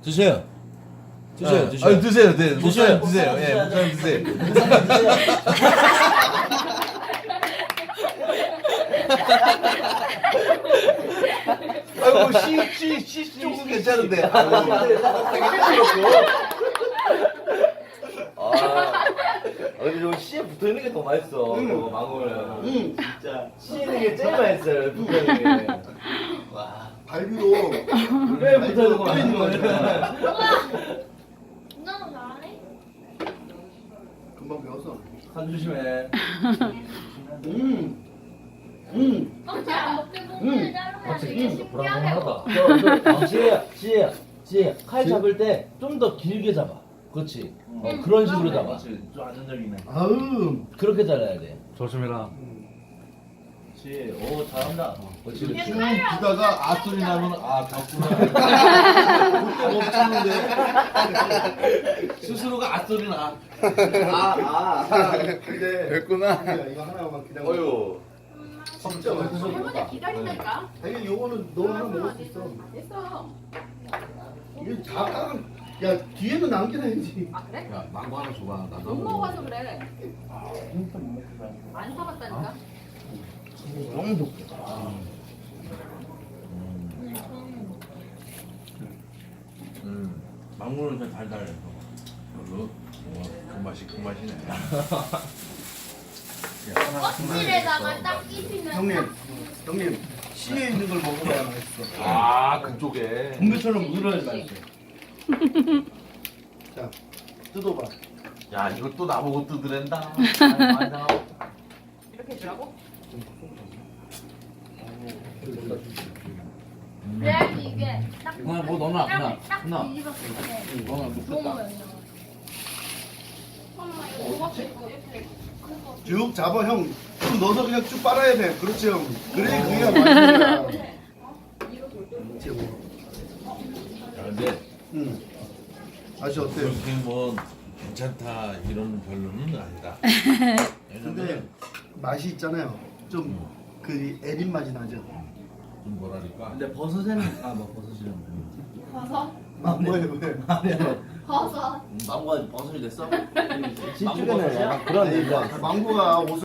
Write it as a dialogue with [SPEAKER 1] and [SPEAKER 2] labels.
[SPEAKER 1] 드세요. 드세요. 드세요.
[SPEAKER 2] 아니 드세요. 네.
[SPEAKER 1] 드세요.
[SPEAKER 2] 드세요. 예, 목사님 드세요. 아이고 씨 조금 괜찮은데.
[SPEAKER 1] 근데 저 씨에 붙어 있는 게 더 맛있어. 망고는. 진짜 씨에 있는 게 제일 맛있어요. 붙어 있는 게. 와.
[SPEAKER 3] 발비로
[SPEAKER 1] 왜 붙어 있는 거
[SPEAKER 3] 붙어 있는
[SPEAKER 1] 맛있는 거야?
[SPEAKER 4] 누나는 잘하네?
[SPEAKER 3] 금방 배웠어.
[SPEAKER 1] 간 조심해.
[SPEAKER 4] 껍질 안 먹게 부분을 자르면 되게 신기하네.
[SPEAKER 1] 지혜야, 칼 잡을 때 좀 더 길게 잡아. 그렇지. 그런 식으로 잡아. 좀 안정적이네.
[SPEAKER 3] 아우.
[SPEAKER 1] 그렇게 잘라야 돼.
[SPEAKER 2] 조심해라.
[SPEAKER 1] 그렇지. 오, 잘한다. 그렇지, 그렇지.
[SPEAKER 2] 쭉 기다가 아 소리 나면 아 졌구나. 못 참는데 스스로가 아 소리 나.
[SPEAKER 3] 근데
[SPEAKER 2] 됐구나.
[SPEAKER 3] 이거 하나만 기다려.
[SPEAKER 1] 어휴.
[SPEAKER 3] 진짜 맛있어.
[SPEAKER 4] 할머니 기다린다니까.
[SPEAKER 3] 아니 요거는 너 하나 먹을 수 있어.
[SPEAKER 4] 됐어.
[SPEAKER 3] 이거 다 야 뒤에도 남겨놔야지.
[SPEAKER 4] 아 그래?
[SPEAKER 2] 야 망고 하나 줘봐. 나도
[SPEAKER 4] 못 먹어서 그래. 안 사봤다니까.
[SPEAKER 1] 너무 좋게.
[SPEAKER 2] 망고는 좀 달달해서. 별로. 그 맛이 그 맛이네.
[SPEAKER 4] 껍질에다가 딱 끼시면.
[SPEAKER 3] 형님 씨에 있는 걸 먹어봐야 맛있어.
[SPEAKER 2] 아 그쪽에.
[SPEAKER 3] 동배처럼 물어야 맛있어. 자 뜯어봐.
[SPEAKER 2] 야 이것도 나보고 뜯으랜다.
[SPEAKER 4] 이렇게 주라고? 그래야지 이게 딱.
[SPEAKER 1] 누나, 뭐 넣어놔, 누나.
[SPEAKER 4] 딱
[SPEAKER 1] 누나.
[SPEAKER 4] 뒤집었을 때.
[SPEAKER 1] 너는
[SPEAKER 4] 너무
[SPEAKER 1] 먹겠다.
[SPEAKER 4] 맛있어. 엄마 이거 뭐가 있고 이렇게.
[SPEAKER 3] 쭉 잡아 형. 쭉 넣어서 그냥 쭉 빨아야 돼. 그렇지 형. 그래 그게 맛있는 거야. 최고.
[SPEAKER 2] 야, 근데
[SPEAKER 3] 맛이 어때요?
[SPEAKER 2] 그렇게 뭐 괜찮다 이런 별로는 아니다.
[SPEAKER 3] 근데
[SPEAKER 2] 왜냐면
[SPEAKER 3] 맛이 있잖아요. 좀 그 애린 맛이 나죠.
[SPEAKER 2] 좀 뭐랄까.
[SPEAKER 1] 근데 버섯에는 뭐 버섯이랑.
[SPEAKER 4] 버섯?
[SPEAKER 3] 왜?
[SPEAKER 4] 버섯.
[SPEAKER 1] 망고가 버섯이 됐어?
[SPEAKER 3] 네.
[SPEAKER 1] 망고 버섯이야?
[SPEAKER 3] 그런 망고가 옷을